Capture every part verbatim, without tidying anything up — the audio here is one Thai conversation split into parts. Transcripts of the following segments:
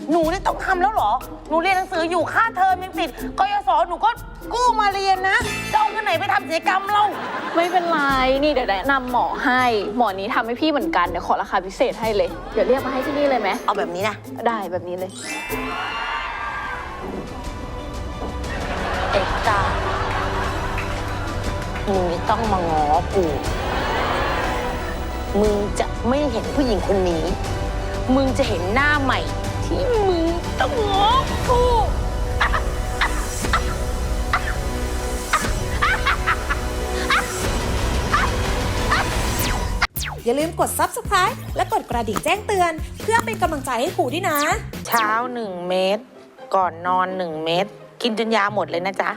หนูนี่ต้องทำแล้วเหรอหนูเรียนหนังสืออยู่ค่าเทอมยังติดกยศหนูก็กู้มาเรียนนะจะเอาเงินไหนไปทำศัลยกรรมเราไม่เป็นไรนี่เดี๋ยวแนะนำหมอให้หมอนี้ทำให้พี่เหมือนกันเดี๋ยวขอราคาพิเศษให้เลยเดี๋ยวเรียกมาให้ที่นี่เลยไหมเอาแบบนี้นะได้แบบนี้เลยเอกตามึงจะต้องมาง้อกูมึงจะไม่เห็นผู้หญิงคนนี้มึงจะเห็นหน้าใหม่ที่มึงต้องง้อกูอย่าลืมกด ซับสไครบ์ และกดกระดิ่งแจ้งเตือนเพื่อเป็นกำลังใจให้ครูด้วยนะเช้าหนึ่งเม็ดก่อนนอนหนึ่งเม็ดกินจนยาหมดเลยนะจ๊ะ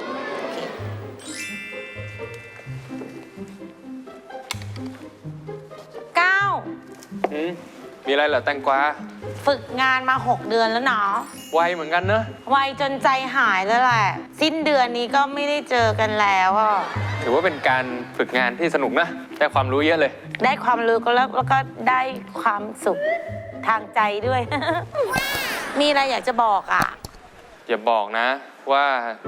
เก้าอืมมีอะไรเหรอแตงกวาฝึกงานมาหกเดือนแล้วเนาะไวเหมือนกันเนอะไวจนใจหายแล้วแหละสิ้นเดือนนี้ก็ไม่ได้เจอกันแล้วอ่ะถือว่าเป็นการฝึกงานที่สนุกนะได้ความรู้เยอะเลยได้ความรู้ก็แล้วแล้วก็ได้ความสุขทางใจด้วย มีอะไรอยากจะบอกอ่ะอย่าบอกนะว่า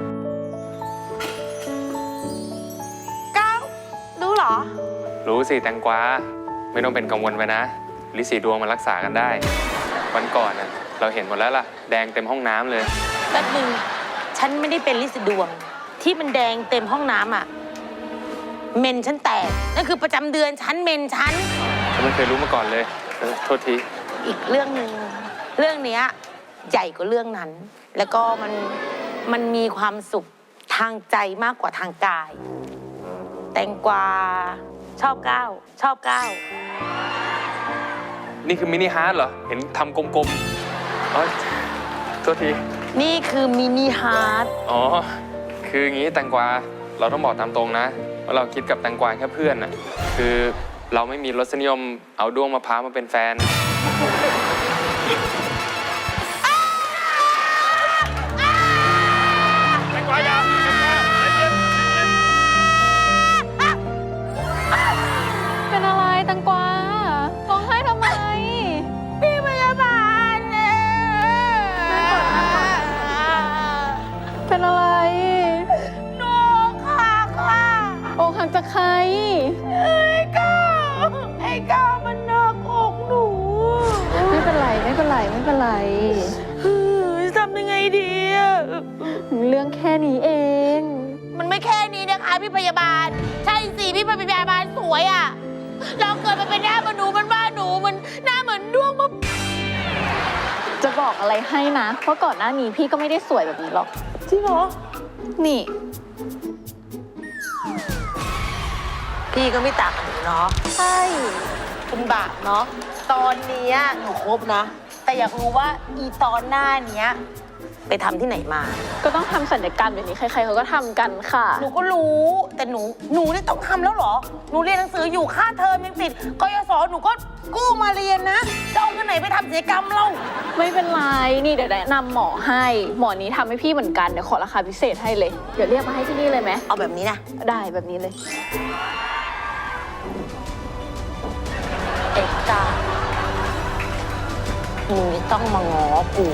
ก้าวรู้เหรอรู้สิแตงกวาไม่ต้องเป็นกังวลไปนะลิสีดวงมันรักษากันได้วันก่อนน่ะเราเห็นหมดแล้วล่ะแดงเต็มห้องน้ำเลยแป๊บนึงฉันไม่ได้เป็นลิสีดวงที่มันแดงเต็มห้องน้ำอ่ะเมนฉันแตกนั่นคือประจำเดือนฉันเมนฉันฉันไม่เคยรู้มาก่อนเลยโทษทีอีกเรื่องหนึ่งเรื่องนี้ใหญ่กว่าเรื่องนั้นแล้วก็มันมันมีความสุขทางใจมากกว่าทางกายแตงกวาชอบก้าวชอบก้าวนี่คือมินิฮาร์ทเหรอเห็นทำกลมๆอ๋อโทษทีนี่คือมินิฮาร์ทอ๋อคืออย่างนี้แตงกวาเราต้องบอกตามตรงนะว่าเราคิดกับแตงกวาแค่เพื่อนน่ะคือเราไม่มีรสนิยมเอาด้วงมะพร้าวมาเป็นแฟนแตงกวายาวเป็นอะไรแตงกวาร้องไห้ทำไมพี่พยาบาลเนี่ยเป็นอะไรหนูค่ะค่ะโอ้หักจากใครไอ้ก้าวไอ้ก้าวมันนอกอกหนูไม่เป็นไรไม่เป็นไรไม่เป็นไรทำยังไงดีอะเรื่องแค่นี้เองมันไม่แค่นี้นะคะพี่พยาบาลใช่สิพี่พยาบาลสวยอ่ะเราเกิดมาเป็นหน้าเหมือนหนูมันบ้าหนูมันหน้าเหมือนดวงมะจะบอกอะไรให้นะเพราะก่อนหน้านี้พี่ก็ไม่ได้สวยแบบนี้หรอกจริงเหรอนี่พี่ก็ไม่ต่างกับหนูเนาะใช่คุณบาปเนาะตอนนี้หนูครบนะแต่อยากรู้ว่าอีตอนหน้าเนี้ยไปทำที่ไหนมาก็ต้องทำศัลยกรรมอย่างนี้ใครๆเขาก็ทำกันค่ะหนูก็รู้แต่หนูหนูนี่ต้องทำแล้วเหรอหนูเรียนหนังสืออยู่ค่าเทอมยังติดกยศหนูก็กู้มาเรียนนะจะเอาเงินไหนไปทำศัลยกรรมเราไม่เป็นไรนี่เดี๋ยวแนะนำหมอให้หมอนี้ทำให้พี่เหมือนกันเดี๋ยวขอราคาพิเศษให้เลยเดี๋ยวเรียกมาให้ที่นี่เลยไหมเอาแบบนี้นะได้แบบนี้เลยเอกตามึงจะต้องมาง้อกู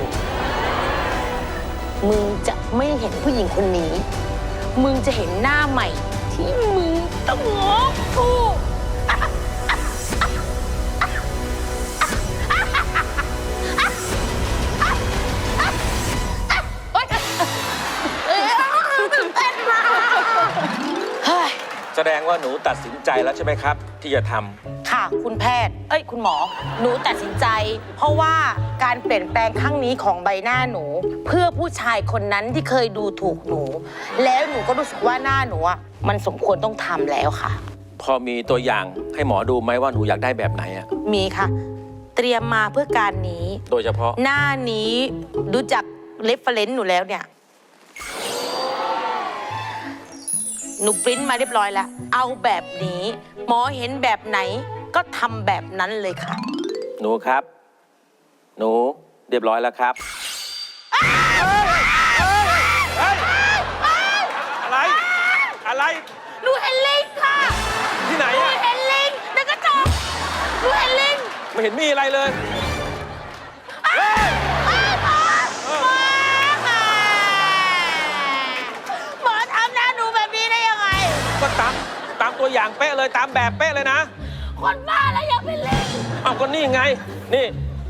มึงจะไม่เห็นผู้หญิงคนนี้มึงจะเห็นหน้าใหม่ที่มึงต้องง้อกูแสดงว่าหนูตัดสินใจแล้วใช่ไหมครับที่จะทำค่ะคุณแพทย์เอ้ยคุณหมอหนูตัดสินใจเพราะว่าการเปลี่ยนแปลงครั้งนี้ของใบหน้าหนูเพื่อผู้ชายคนนั้นที่เคยดูถูกหนูแล้วหนูก็รู้สึกว่าหน้าหนูอ่ะมันสมควรต้องทำแล้วค่ะพอมีตัวอย่างให้หมอดูไหมว่าหนูอยากได้แบบไหนอ่ะมีค่ะเตรียมมาเพื่อการนี้โดยเฉพาะหน้านี้ดูจากเรฟเฟอเรนซ์หนูแล้วเนี่ยหนูปริ้นมาเรียบร้อยแล้วเอาแบบนี้หมอเห็นแบบไหนก็ทำแบบนั้นเลยค่ะหนูครับหนูเรียบร้อยแล้วครับอะไรอะไรหนูเห็นลิงค่ะที่ไหนอะหนูเห็นลิงในกระจกหนูเห็นลิงไม่เห็นมีอะไรเลยเป๊ะเลยตามแบบเป๊ะเลยนะคนบ้าแล้วยังเป็นลิงเอาก็นี่ไง นี่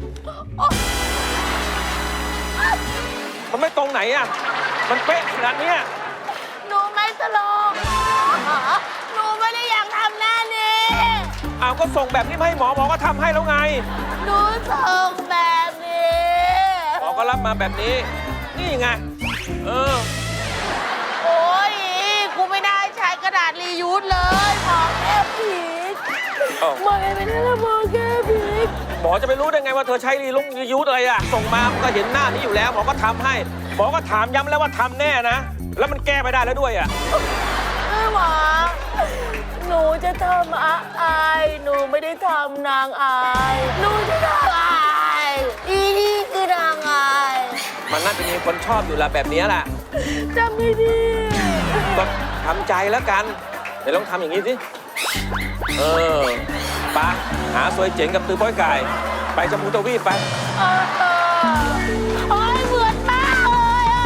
มันไม่ตรงไหนอ่ะ มันเป๊ะขนาดเนี้ยหนูไม่ตลกหนูไม่ได้อยากทำหน้านี้เอาก็ส่งแบบนี้มาให้หมอหมอก็ทำให้แล้วไงหนูส่งแบบนี้หมอก็รับมาแบบนี้ นี่ไง เออโอ้ยกูไม่ได้ใช้กระดาษรียูสเลยหมอแก้ผีกเอ้าไม่ไม่ได้ละหมอแก้ผีกหมอจะไปรู้ได้ไงว่าเธอใช้รีลุงรียูสอะไรอ่ะ ส่งมามันก็เห็นหน้านี้อยู่แล้ว หมอก็ทำให้ หมอก็ถามย้ำแล้วว่าทำแน่นะ แล้วมันแก้ไม่ได้แล้วด้วยอ่ะเออหมอหนูจะทำอาอายหนูไม่ได้ทำนางอายหนูจะทำอายอีนี่คือนางอายมันน่าจะมีคนชอบอยู่ละแบบนี้แหละจำไม่ดีก็ทำใจแล้วกัน เดี๋ยวลองทำอย่างนี้สิ เออไปะหาซวยเจ๋งกับตือป้อยไก่ ไปจมูกตะวีปไปเออเออโอ้ยเหมือนมากเลยอะ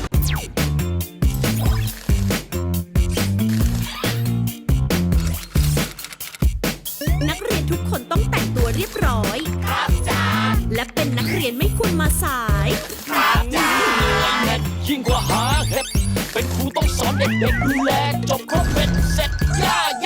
นักเรียนทุกคนต้องแต่งตัวเรียบร้อย ครับจ้าและเป็นนักเรียนไม่ควรมาสายยิ่งกว่าหาเห็ดเป็นครูต้องสอนเด็กๆดูแลจบครบเป็นเสร็จย่า